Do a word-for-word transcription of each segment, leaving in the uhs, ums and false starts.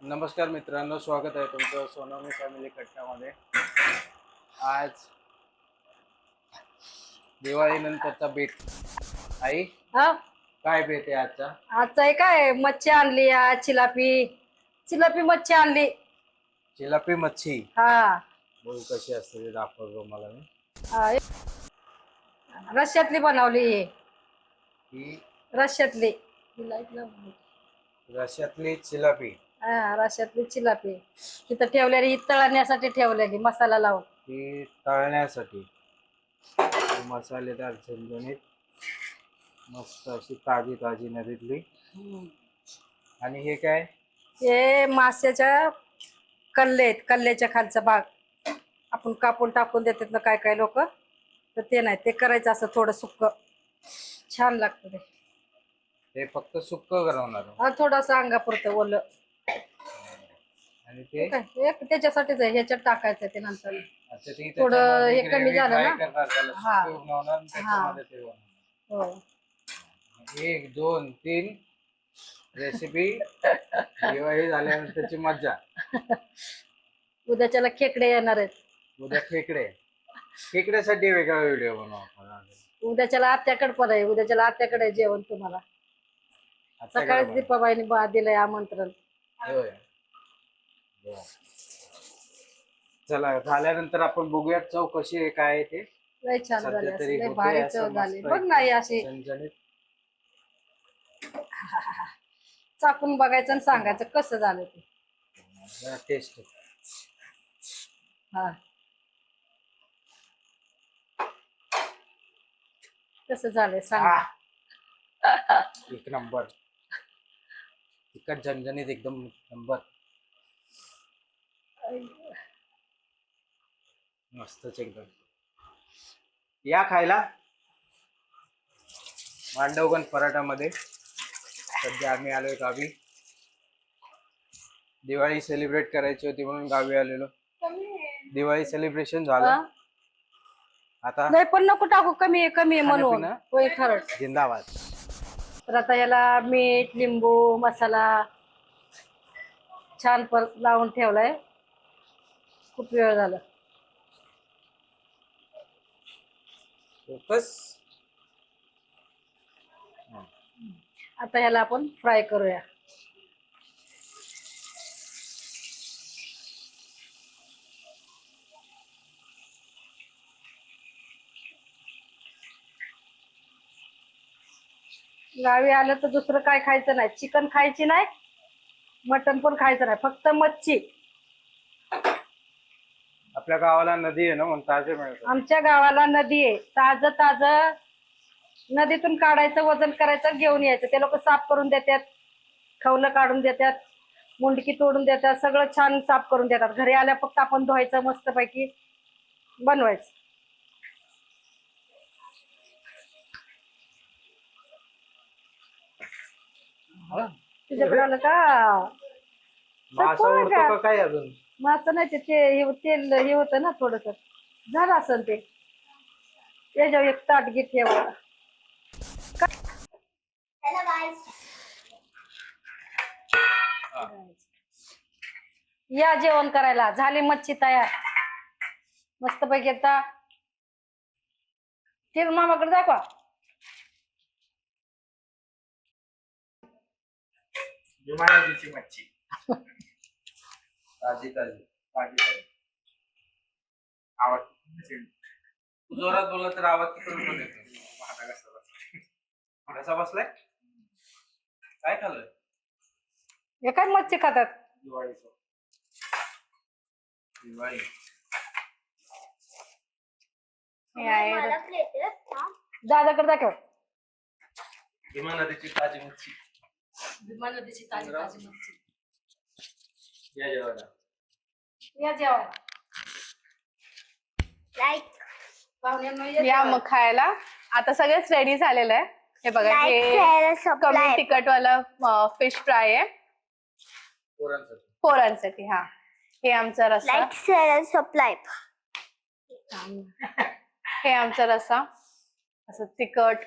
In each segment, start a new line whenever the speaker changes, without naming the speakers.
नमस्कार मित्रांनो, स्वागत आहे तुमचं सोनवणी फॅमिली कट्ट्यामध्ये। आज दिवाळी नंतरचा बेत। आई
हा
काय बेत आहे आजचा?
आजचा आहे काय मच्छी आणली आज चिलापी चिलापी मच्छी आणली।
चिलापी मच्छी
हा
बघू कशी असते ते दाखवतो मला मी।
हा, रश्यातली बनवली
ही
रश्यातली
रश्यातली चिलापी।
हा रश्यातली चिलापी तिथं ठेवलेली तळण्यासाठी ठेवलेली मसाला लावून।
ही तळण्यासाठी मसालेदार झणझणीत मस्त अशी ताजी ताजी नदीतली। आणि हे काय?
हे माशाच्या कल्ले आहेत, कल्ल्याच्या खालचा भाग आपण कापून टाकून देतात ना काय काय लोक, तर ते नाही, ते करायचं असं थोडं सुक्क, छान लागतं ते।
ते फक्त सुक्क करवणार
हा थोडंसं अंगापुरतं ओलं।
आणि ते
काय एक त्याच्यासाठीच आहे, ह्याच्यात टाकायचं ते नंतर
अच्छा ती
थोडं हे
त्याच्यामध्ये
कमी
gravy
झालं
fry
ना।
करणार, त्याला
हा
सुक्क बनवणार आणि त्याच्यामध्ये ते बनवणार।
हो
एक दोन तीन रेसिपी दिवाळी झाल्यानंतरची मज्जा।
उद्याच्याला खेकडे येणार आहेत।
उद्या खेकडे, खेकड्यासाठी वेगळा व्हिडिओ बनवू आपण।
उद्याच्याला आत्याकडे पण आहे, उद्याच्याला आत्याकडे आहे जेवण तुम्हाला। सकाळीच दीपाबाईने बा दिलंय आमंत्रण।
होय, चला झाल्यानंतर आपण बघूया चव कशी आहे काय आहे ते।
लय छान झाले,
सध्या
असं
तरी
लय
होते
भारी
असं
चव झाली
मस्त
बघ ना ही अशी।
झणझणीत।
चाकून बघायचं आणि सांगायचं कसं झालं ते।
टेस्ट
हा कसं झालंय सांगा।
एक नंबर, तिखट झणझणीत एकदम नंबर, मस्तच एकदम। या खायला मांडवगण पराठामध्ये। सध्या आम्ही आलोय गावी, दिवाळी सेलिब्रेट करायची होती म्हणून गावी आलेलो। दिवाळी सेलिब्रेशन झालं, आता
नाही पण नको टाकू, कमी आहे कमी आहे म्हणून।
खाणं-पिणं
होय खरंच।
जिंदाबाद।
तर आता याला मीठ लिंबू मसाला छान पर लावून ठेवलाय, खूप वेळ झाला।
फोकस।
आता ह्याला आपण फ्राय करूया। गावी आलं तर दुसरं काय खायचं नाही, चिकन खायची नाही, मटन पण खायचं नाही, फक्त मच्छी।
आपल्या गावाला नदी आहे ना म्हणून ताजे मिळतात।
आमच्या गावाला नदी आहे, ताज ताज नदीतून काढायचं, वजन करायचं, घेऊन यायचं। ते लोक साफ करून देतात, खवलं काढून देतात, मुंडकी तोडून देतात, सगळं छान साफ करून देतात। घरी आल्या फक्त आपण धुवायचं, मस्तपैकी बनवायचं। तुझ्याकडे आलं का?
मासा उडतो का काय अजून?
मासा नाही, ते ते तेल हे होतं ना थोडस, झालं असेल ते। त्याच्यावर एक ताट घे ठेवा। या जेवण करायला, झाली मच्छी तयार मस्तपैकी। आता ते मामाकडे दाखवा।
जुमानदीची मच्छी ताजी ताजी ताजी ताजी। आवाज जोरात बोलला तर आवाज तिकडून पण येतो। महागा कसा बसलाय, कसा बसलाय, काय खाल्लं?
हे काय मच्छी खातात
दिवाळीचं, दिवाळी
दादाकडे दाखव।
भीमा नदीची ताजी मच्छी,
भीमा नदीची ताजी ताजी मच्छी।
या जेवायला,
या जेवायला,
लाईक
पाहुण्यांना
या मग खायला। आता सगळेच रेडी झालेलं आहे। हे बघा, हे कमी तिखट वाला फिश फ्राय आहे
पोरांसाठी
पोरांसाठी। हा हे आमचा रस्सा,
लाईक शेअर सप्लाय।
हे आमचा रस्सा असं तिखट,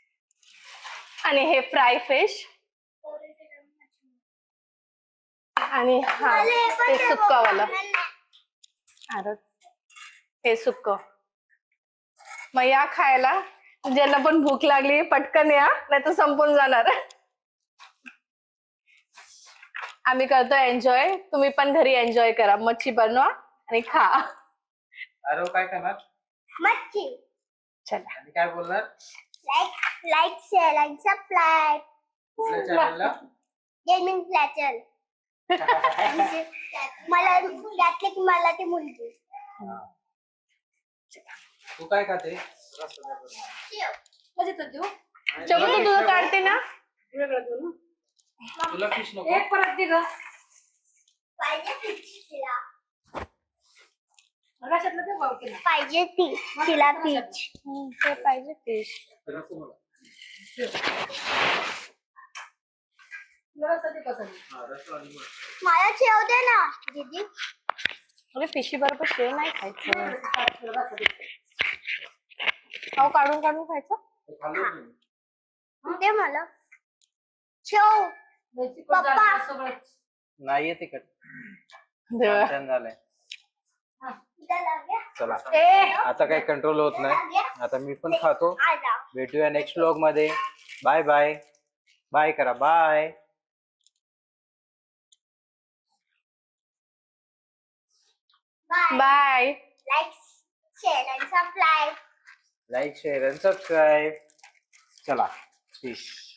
आणि हे फ्राय फिश। आणि हा हे सुक्कावालं. अरे हे सुक्क. मग या खायला, ज्यांना पण भूक लागली पटकन या, नाही तर संपून जाणार. आम्ही करतो एन्जॉय, तुम्ही पण घरी एन्जॉय करा. मच्छी बनवा आणि खा.
अरे काय करणार
मच्छी.
चला
आणि काय बोलणार
लाईक लाईक शेअर आणि सबस्क्राईब.
कुठल्या चॅनलला
गेमिंग फ्लॅचर. मला त्यातले की मला ती मुलगी.
तू काय खाते
म्हणजे तो देऊ
चलो तू तुझं काढते ना.
वेगळं देऊ ना.
तुला फिश नको
एक परत दे ग.
पाहिजे ती तिला.
आकाशातलं ते भाव केला.
पाहिजे ती तिला पीच.
ते पाहिजे फिश.
व्यवस्थित आहे कसं.
मला शेव दे ना दीदी.
अरे फिशी बरोबर शेव नाही खायचं. अहो काढून काढून खायचं.
दे मला शेव. पप्पा.
सगळं
नाहीये तिकट
देवा.
छान झालंय. चला
ए
आता काही कंट्रोल होत नाही. आता मी पण खातो.
आला.
भेटूया नेक्स्ट व्लॉग मध्ये. Bye bye. बाय करा. Bye
bye.
Bye.
Like share आणि सबस्क्राईब.
लाईक शेअर आणि सबस्क्राईब. चला फिश.